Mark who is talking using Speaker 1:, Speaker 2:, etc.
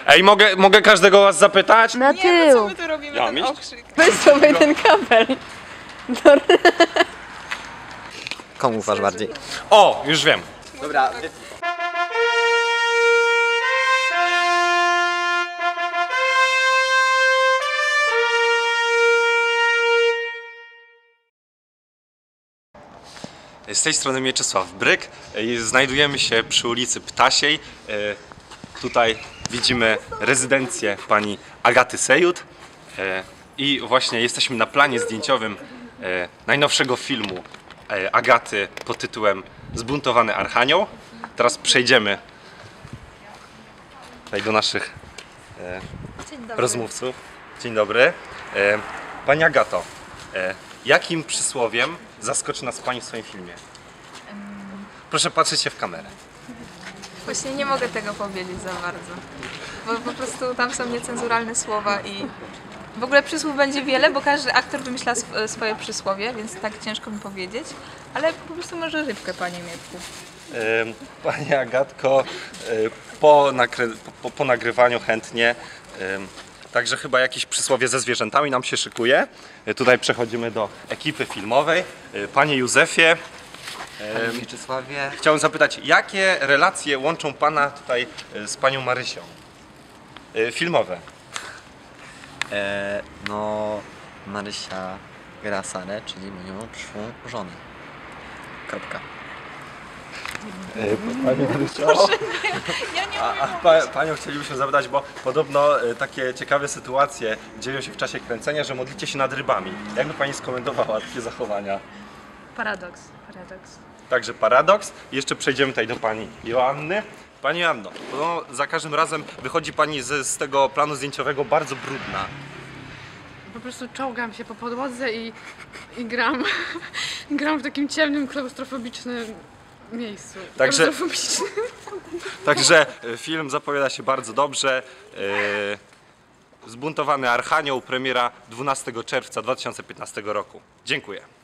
Speaker 1: Ej, mogę każdego was zapytać?
Speaker 2: Na
Speaker 3: Nie, no co
Speaker 2: tył.
Speaker 3: my tu robimy,
Speaker 1: Ja
Speaker 3: ten
Speaker 1: mieć?
Speaker 3: okrzyk.
Speaker 2: Weź sobie ten kabel.
Speaker 4: Komu ufasz bardziej?
Speaker 1: O, już wiem.
Speaker 4: Dobra.
Speaker 1: Z tej strony Mieczysław Bryk. Znajdujemy się przy ulicy Ptasiej. Tutaj widzimy rezydencję pani Agaty Sejut. I właśnie jesteśmy na planie zdjęciowym najnowszego filmu Agaty pod tytułem Zbuntowany Archanioł. Teraz przejdziemy tutaj do naszych rozmówców. Dzień dobry. Pani Agato, jakim przysłowiem zaskoczy nas Pani w swoim filmie? Proszę patrzeć się w kamerę.
Speaker 3: Właśnie nie mogę tego powiedzieć za bardzo, bo po prostu tam są niecenzuralne słowa i w ogóle przysłów będzie wiele, bo każdy aktor wymyśla swoje przysłowie, więc tak ciężko mi powiedzieć, ale po prostu może rybkę, panie Mietku.
Speaker 1: Pani Agatko, po nagrywaniu chętnie. Także chyba jakieś przysłowie ze zwierzętami nam się szykuje. Tutaj przechodzimy do ekipy filmowej. Panie Józefie,
Speaker 4: Panie Mieczysławie.
Speaker 1: chciałem zapytać, jakie relacje łączą Pana tutaj z Panią Marysią? Filmowe.
Speaker 4: No, Marysia gra Sarę, czyli moją przyszłą żonę. Kropka.
Speaker 1: Pani Marysiu,
Speaker 3: Ja nie
Speaker 1: Panią chcielibyśmy zapytać, bo podobno takie ciekawe sytuacje dzieją się w czasie kręcenia, że modlicie się nad rybami. Jakby Pani skomentowała takie zachowania?
Speaker 3: Paradoks.
Speaker 1: Także paradoks. Jeszcze przejdziemy tutaj do Pani Joanny. Pani Joanno, no, za każdym razem wychodzi Pani z tego planu zdjęciowego bardzo brudna.
Speaker 5: Po prostu czołgam się po podłodze i gram. Gram w takim ciemnym, klaustrofobicznym miejscu.
Speaker 1: Także-
Speaker 5: Klaustrofobicznym.
Speaker 1: Także film zapowiada się bardzo dobrze. Zbuntowany Archanioł, premiera 12 czerwca 2015 roku. Dziękuję.